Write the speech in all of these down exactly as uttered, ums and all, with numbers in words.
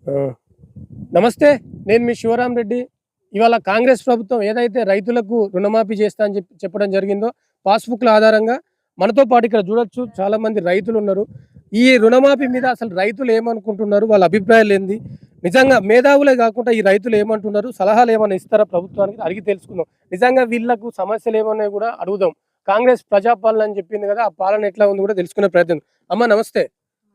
ఆ! నమస్తే. నేను మీ శివరామ్ రెడ్డి. ఇవాళ కాంగ్రెస్ ప్రభుత్వం ఏదైతే రైతులకు రుణమాఫీ చేస్తా అని చెప్పి చెప్పడం జరిగిందో, పాస్‌బుక్‌ల ఆధారంగా మనతో పాటు ఇక్కడ చూడొచ్చు చాలామంది రైతులున్నారు. ఈ రుణమాఫీ మీద అసలు రైతులు ఏమనుకుంటున్నారు? వాళ్ళ అభిప్రాయాలేంది? నిజంగా మేధావులే గాకుండా ఈ రైతులు ఏమంటున్నారు? సలహాలేమన్నా ఇస్తారా ప్రభుత్వానికి? అడిగి తెలుసుకుందాం. నిజంగా వీళ్ళకు సమస్యలేమున్నాయో గూడా అడుగుదాం. కాంగ్రెస్ ప్రజాపాలన అని చెప్పింది గదా! ఆ పాలన ఎట్లా ఉంది గూడా తెలుసుకునే ప్రయత్నం. అమ్మ నమస్తే.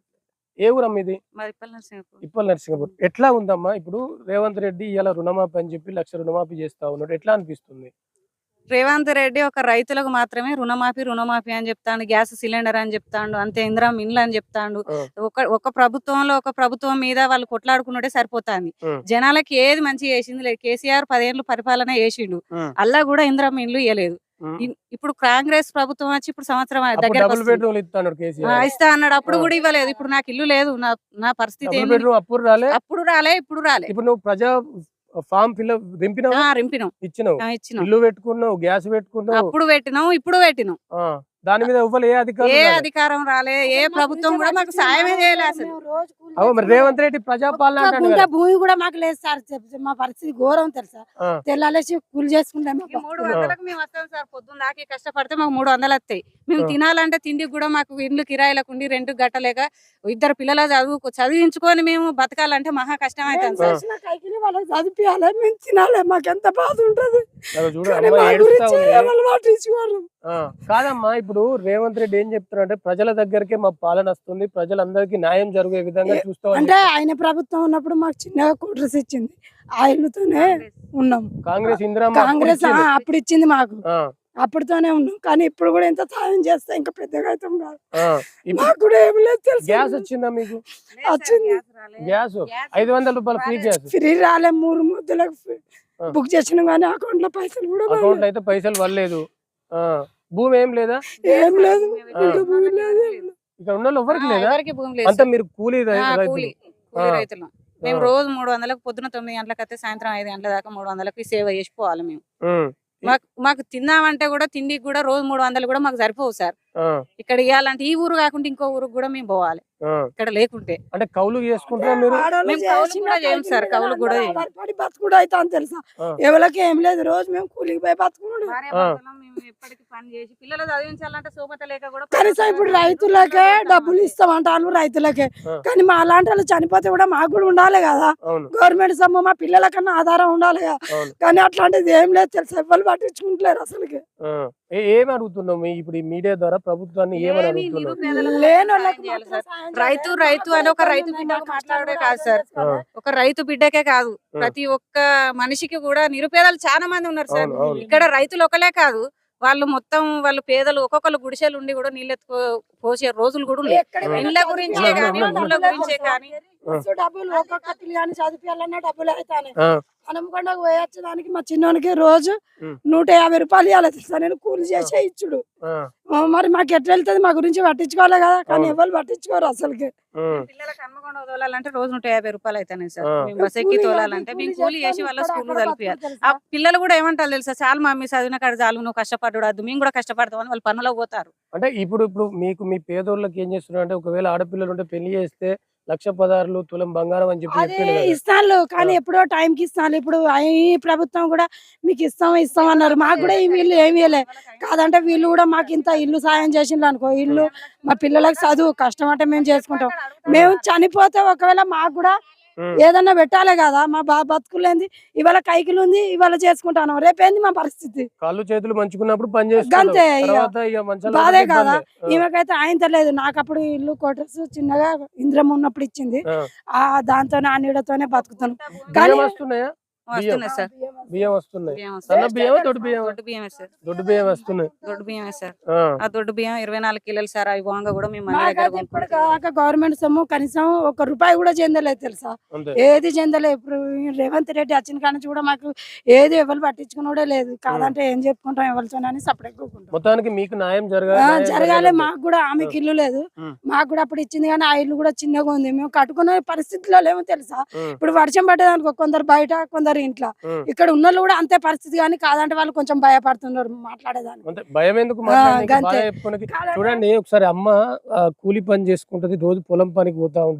ఏ ఊరమ్మ ఇది? మాది ఇప్పల్ నరసింహపూర్. ఇప్పల్ నరసింగపూర్. ఎట్లా ఉందమ్మా? ఇప్పుడు రేవంత్ రెడ్డి ఇయాల రుణమాఫీ అని చెప్పి లక్ష రుణమాఫీ చేస్తా ఉన్నాడు. ఎట్లా అనిపిస్తుంది? రేవంత్ రెడ్డి ఒక రైతులకు మాత్రమే రుణమాఫీ రుణమాఫీ అని చెప్తాండు, గ్యాస్ సిలిండర్ అని చెప్తాండు, అంతే ఇందిరమ్మ ఇండ్లు అని చెప్తాండు. ఆ! ఒక ఒక ప్రభుత్వంలో ఒక ప్రభుత్వం మీద వాళ్ళు కొట్లాడుకున్నట్టే సరిపోతాంది. హ్మ్. జనాలకి ఏది మంచిగా చేసింది లేదు. కేసీఆర్ పదేళ్ళు పరిపాలన చేసిండు. హ్మ్. అల్లా కూడా ఇందిరమ్మ ఇండ్లు ఇయ్యలేదు. హ్మ్. ఇన్- ఇప్పుడు కాంగ్రెస్ ప్రభుత్వం వచ్చి ఇప్పుడు సంవత్సరం అప్పుడు దగ్గర డబుల్ బెడ్‌రూమ్‌లు ఇత్తన్నాడు కేసీఆర్. ఇస్తా అన్నాడు. అప్పుడు ఆ! కూడా ఇవ్వలేదు. ఇప్పుడు నాకు ఇల్లు లేదు. నా నా పరిస్థితి డబుల్ ఏంది? బెడ్‌రూమ్ అప్పుడు రాలే. అప్పుడు రాలే, ఇప్పుడు రాలే. ఇప్పుడు నువ్వు ప్రజా ఫార్మ్ ఫిలప్ దింపినావా? ఆ, రింపినాం. ఇచ్చినావు. ఆ, ఇచ్చినాం. ఇల్లు పెట్టుకున్నావు, గ్యాస్ పెట్టుకున్నావు. అప్పుడు పెట్టినాం, ఇప్పుడు పెట్టినాం. ఆ! దాని మీద ఎవ్వరు ఏ అధికారులు ఏ రాలే. అధికారం రాలే, ఏ ప్రభుత్వం కూడా మాకు సాయమే చేయలే అసలు. అవు మరి రేవంత్ రెడ్డి ప్రజాపాలన ఒక్క అంటాడు గుంట కదా. భూమి కూడా మాకు లేదు సార్. చెప్- మా పరిస్థితి ఘోరం తెలుసా. ఆ! తెల్లాలేసి కూలి చేసుకుంటాం. ఈ మూడు వందలకు మేము వస్తాం సార్. పొద్దున్న దాకా కష్టపడితే మాకు మూడు వందలు వస్తాయి. మేము ఆ. తినాలంటే తిండికి కూడా మాకు ఇండ్లు కిరాయిలకు ఉండి రెంట్ గట్టలేక ఇద్దరు పిల్లల చదువు చదివించుకొని మేము బతకాలంటే మహా కష్టం అవుతుంది సార్. వాళ్ళకి చదివియాలి, మేము తినాలి. మాకు ఎంత బాధ ఉంటది. అగో చూడు కానీ అమ్మ మా ఏడుస్తా గురించి ఉంది. ఎవరు పట్టించుకోరు. ఆ! కాదమ్మా ఇప్పుడు రేవంత్ రెడ్డి ఏం చెప్తున్నాడంటే ప్రజల దగ్గరికే మా పాలన వస్తుంది. ప్రజలందరికీ న్యాయం జరిగే విధంగా చూస్తామని అంటే ఆయన ప్రభుత్వం ఉన్నప్పుడు మాకు చిన్నగా కోటర్స్ ఇచ్చింది. ఆ ఇల్లుతోనే ఉన్నాం. కాంగ్రెస్ ఇందిరమ్మ అప్పుడు కాంగ్రెస్ ఆ, ఇచ్చింది. అప్పుడు ఇచ్చింది మాకు. ఆ! అప్పుడుతోనే ఉన్నాం. కానీ ఇప్పుడు కూడా ఎంత సాయం చేస్తే ఇంకా పెద్దగా అవుతాం కాదు. ఆ! ఇప్పుడు మాకు కూడా ఏమి లేదు తెలుసు. గ్యాస్ వచ్చిందా మీకు? వచ్చింది. గ్యాస్ ఐదు వందల రూపాయలు ఫ్రీ గ్యాస్. ఫ్రీ రాలే. మూడు ముద్దలకు ఫ్రీ- ఆ. బుక్ చేసినాం కానీ అకౌంట్ లో పైసలు కూడా అకౌంట్ పడలేదు. అయితే పైసలు పడలేదు. ఆ! భూమి ఏం లేదా? ఏం లేదు. ఆ. ఇంకా భూమి లేదు, ఏం లేదు. ఇక్కడ ఉన్న వాళ్ళు ఎవరికి లేదా? ఎవరికి భూమి లేదు అంతా సార్. మీరు కూలీ రై- ఆ, రైతులు. కూలి కూలి ఆ. రైతులు. మేము ఆ. రోజు మూడు వందలకు పొద్దున తొమ్మిది గంటలకు అయితే సాయంత్రం ఐదు గంటల దాకా మూడు వందలకి సేవ చేసిపోవాలి మేము. ఉమ్. మాకు మాకు తిందామంటే కూడా తిండికి కూడా రోజు మూడు వందలు కూడా మాకు సరిపోవు సార్. ఆ. ఇక్కడ ఇవ్వాలంటే ఈ ఊరు కాకుండా ఇంకో ఊరికి కూడా మేము పోవాలి ఆ. ఇక్కడ లేకుంటే. అంటే కౌలు చేసుకుంటారా మీరు? ఆడవాళ్ళు మేము కౌలు చేసిన కూడా చేయం సార్, కైకిలి కౌలు కూడా అందరూ చేయం. ఆధారపడి బతుకుడు అవుతాం తెలుసా. ఆ. ఎవరికి ఏం లేదు. రోజు మేము కూలికి పోయి బతుకుడు. భార్యాభర్తలం మేము ఎప్పటికీ పని చేసి పిల్లలు చదివించాలంటే సోమత లేక కూడా కనీసం ఇప్పుడు రైతులకే డబ్బులు ఇస్తామంటారు రైతులకే. ఆ. కానీ మా అలాంటి వాళ్ళు చనిపోతే కూడా మాకు కూడా ఉండాలి కదా. అవును. గవర్నమెంట్ సొమ్ము మా పిల్లల కన్నా ఆధారం ఉండాలి కదా. అవును. కానీ అట్లాంటిది ఏం లేదు తెలుసా. ఎవరు పట్టించుకుంటలేరు అసలుకి. ఆ. ఏ- ఏం అడుగుతున్నాం మీ- ఇప్పుడు ఈ మీడియా ద్వారా ప్రభుత్వాన్ని ఏమని ఏమీ అడుగుతున్నాం? నిరుపేదలకు లేని సాయం వాళ్ళకి చేయాలి మాత్రం సార్. సాయం రైతు చేయాలి. రైతు అని ఒక రైతు మాకు బిడ్డకు కష్టాలు మాట్లాడే కూడా కాదు సార్. కదా. ఒక రైతు బిడ్డకే కాదు, ఆ. ప్రతి ఒక్క మనిషికి కూడా నిరుపేదలు చాలా మంది ఉన్నారు సార్. అవును, అవును. ఇక్కడ రైతులు ఒకలే కాదు, వాళ్ళు మొత్తం వాళ్ళు పేదలు ఒక్కొక్కరు గుడిసెలు ఉండి కూడా నీళ్ళెత్తుకో పోసే రోజులు కూడా ఉన్నాయి. ఎక్కడికి ఆ. ఇండ్ల గురించే ఉన్నా, కానీ ఉన్నా, ఊళ్ళ ఉన్నా. గురించే కానీ మస్తు డబ్బులు ఒక్కొక్క పిల్లగాని చదివియాలన్నా డబ్బులు అవుతాయి. ఆ. హనుమకొండకు పోయొచ్చడానికి మా చిన్నోనికి రోజు ఉమ్. నూట యాభై రూపాయలు ఇవ్వాలి తెలుసా. నేను కూలి చేసే ఇచ్చుడు. ఆ. ఆ, మరి మాకు ఎట్లా వెళ్తుంది? మా గురించి పట్టించుకోవాలి కదా. కానీ అవును. ఎవరు పట్టించుకోరు అసలుకి. ఉమ్. పిల్లలకు హన్మకొండ తోలాలంటే రోజు నూట యాభై రూపాయలు అవుతాయి సార్. ఆ. మేము బస్ ఎక్కి తోలాలంటే మేము కూలి చేసి వాళ్ళ స్కూల్ కలిపియాలి. ఆ పిల్లలు కూడా ఏమంటారు తెలుసా, చాలు మమ్మీ చదివిన కాడ చాలు, నువ్వు కష్టపడ్డాడు, మేము కూడా కష్టపడతాం అని వాళ్ళు పనులకు పోతారు. అంటే ఇప్పుడు ఇప్పుడు మీకు మీ పేదోళ్ళకి ఏం చేస్తున్నారు అంటే ఒకవేళ ఆడపిల్లలు ఉంటే పెళ్లి చేస్తే లక్ష పదార్లు తులం బంగారం అని చెప్పి అదే చెప్పిండు కదా. ఇస్తాను కానీ ఆ. ఎప్పుడో టైంకి ఇస్తాను. ఇప్పుడు ఈ ప్రభుత్వం కూడా మీకు ఇస్తాం ఇస్తాం అన్నారు. మాకు కూడా ఈ వీళ్ళు ఏమి ఇవ్వలే. కాదంటే వీళ్ళు కూడా మాకు ఇంత ఇల్లు సాయం చేసిండ్రు అనుకో, ఇల్లు మా పిల్లలకు చదువు కష్టం అంటే మేము చేసుకుంటాం. మేము చనిపోతే ఒకవేళ మాకు కూడా ఉమ్. ఏదన్నా పెట్టాలి కదా. మా బా బతుకులేంది ఇవాళ కైకిలు ఉంది, ఇవాళ చేసుకుంటాను. రేపేంది మా పరిస్థితి? కాళ్ళు చేతులు మంచుకున్నప్పుడు పని గంతే చేస్తుంటాం. ఇక. తర్వాత ఇక మంచాల మీద బాధే ఇబ్బంది. కదా. ఆ. ఈమెకైతే ఆయన లేదు. నాకు అప్పుడు ఇల్లు కోటర్స్ చిన్నగా ఇంద్రం ఉన్నప్పుడు ఇచ్చింది. ఆ. ఆ దాంతో ఆ నీడతోనే బతుకుతాను. బియ్యం కానీ వస్తున్నాయా? వస్తున్నాయి సార్. బియ్యం వస్తున్నాయి. బియ్యం సన్న వస్తున్నాయి. బియ్యం దొడ్డు బియ్యం దొడ్డు బియ్యమే సార్. దొడ్డు బియ్యం వస్తున్నాయి. దొడ్డు బియ్యమే సార్. ఆ. ఆ దొడ్డు బియ్యం ఇరవై నాలుగు కిలోలు సార్. అవి పోగా కూడా మేము మన దగ్గర మాకైతే ఇప్పుడు కొనుక్కుంటాం. కాక గవర్నమెంట్ సొమ్ము కనీసం ఒక రూపాయి కూడా చెందలేదు తెలుసా. అంతే. ఏది చెందలేదు. ఇప్పుడు ఈ రేవంత్ రెడ్డి వచ్చిన కాడ నుంచి కూడా మాకు ఏది ఎవరు పట్టించుకున్నాడే లేదు. కాదంటే ఏం చెప్పుకుంటాం ఎవరితోనని సపరేట్ కూకుంటాం. మొత్తానికి మీకు న్యాయం జరగాలి. ఆ, న్యాయం జరగాలి. జరగాలంటే. మాకు కూడా ఆమెకి ఇల్లు లేదు. ఉమ్. మాకు కూడా అప్పుడు ఇచ్చింది కానీ ఆ ఇల్లు కూడా చిన్నగా ఉంది. మేము కట్టుకునే పరిస్థితిలో లేమో తెలుసా. ఉమ్. ఇప్పుడు వర్షం పడ్డదనుకో కొందరు బయట కొందరు ఇంట్లో. ఉమ్. ఇక్కడ ఉన్న కూడా అంతే పరిస్థితి కానీ కాదంటే వాళ్ళు కొంచెం భయపడుతున్నారు మాట్లాడేదాన్ని. అంతే భయం ఎందుకు ఆ, మాట్లాడనీకి, గంతే. బాగా చెప్పుకోనీకి. చూడండి ఒకసారి అమ్మ ఆ, కూలి పని చేసుకుంటది, రోజు పొలం పనికి పోతా ఉంటది.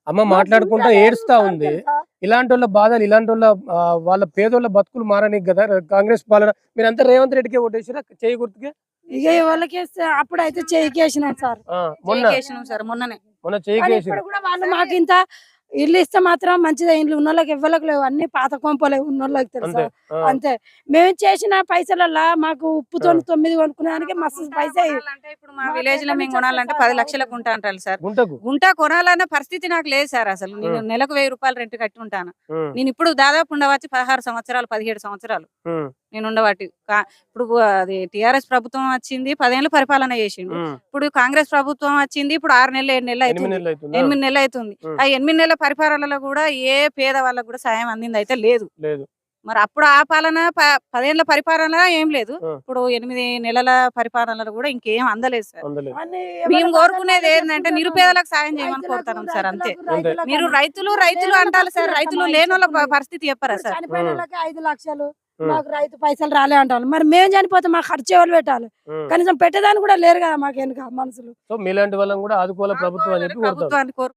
అమ్మ మాట్లాడుకుంటా ఏడుస్తా ఉంది. ఇలాంటి వాళ్ళ బాధలు ఇలాంటి వాళ్ళ ఆ, వాళ్ళ పేదోళ్ళ బతుకులు మారని కదా కాంగ్రెస్ పాలన. మీరంతా రేవంత్ రెడ్డికే ఓటేసిరా చేయి గుర్తుకే? ఇక ఎవరికి అప్పుడైతే చేయికి వేసినాం సార్. ఆ, మొన్న చేసినాం సార్ మొన్ననే. మొన్న చేయికి కానీ వేసిరు. ఇప్పుడు కూడా వాళ్ళు మాకు ఇంత ఇల్లు ఇస్తే మాత్రం మంచిదే. ఇల్లు ఉన్న వాళ్ళకి ఎవ్వరికి లేవు, అన్ని పాత కొంపలే ఉన్న వాళ్ళకి తెలుసా. అంతే ఆ, అంతే మేము చేసిన పైసలల్లా మాకు ఉప్పుతో తొమ్మిది కొనుక్కునేదానికి మస్తు పైసా కొనాలంటే ఇప్పుడు మా విలేజ్ లో మేము కొనాలంటే పది లక్షలకు ఉంటా అంటారు సార్. గుంటకు గుంట కొనాలన్న పరిస్థితి నాకు లేదు సార్. అసలు నేను నెలకు వెయ్యి రూపాయలు రెంట్ కట్టి ఉంటాను. ఉమ్, నేను ఇప్పుడు దాదాపు ఉండవచ్చు పదహారు సంవత్సరాలు పదిహేడు సంవత్సరాలు ఉమ్, నేను ఉండబట్టి. కా- ఇప్పుడు అది టిఆర్ఎస్ ప్రభుత్వం వచ్చింది, పదేళ్ళు పరిపాలన చేసిండు. ఉమ్. ఇప్పుడు కాంగ్రెస్ ప్రభుత్వం వచ్చింది, ఇప్పుడు ఆరు నెలలు ఏడు నెలలు ఎనిమిది అవుతుంది. నెలలు అవుతుందా? ఎనిమిది నెలలు అవుతుంది. ఉమ్. ఆ ఎనిమిది నెలల పరిపాలనలో కూడా ఏ పేద వాళ్ళకు కూడా సాయం అందింది అయితే లేదు. లేదు. మరి అప్పుడు ఆ పాలన ప- పదేళ్ల పరిపాలన ఏం లేదు. ఆ. ఇప్పుడు ఎనిమిది నెలల పరిపాలనలో కూడా ఇంకేం అందలేదు సార్. అందలేదు. మేము కోరుకునేది ఏంటంటే నిరుపేదలకు సాయం చేయమని కోరుతున్నాం సార్, అంతే. మీరు రైతులు రైతులు అంటారు సార్, రైతులు లేని వాళ్ళ ప- పరిస్థితి చెప్పరా సార్? చనిపోయిన వాళ్ళకి ఐదు లక్షలు ఉమ్. మాకు రైతు పైసలు రాలే అంటారు. మరి మేము చనిపోతే మాకు ఖర్చు ఎవరు పెట్టాలి? ఉమ్. కనీసం పెట్టేదాన్ని కూడా లేరు కదా మాకు వెనుక మనుషులు. సో మీలాంటి వాళ్ళని కూడా ఆదుకోవాలి ప్రభుత్వం అని చెప్పి కోరుతారు. ప్రభుత్వాన్ని కోరు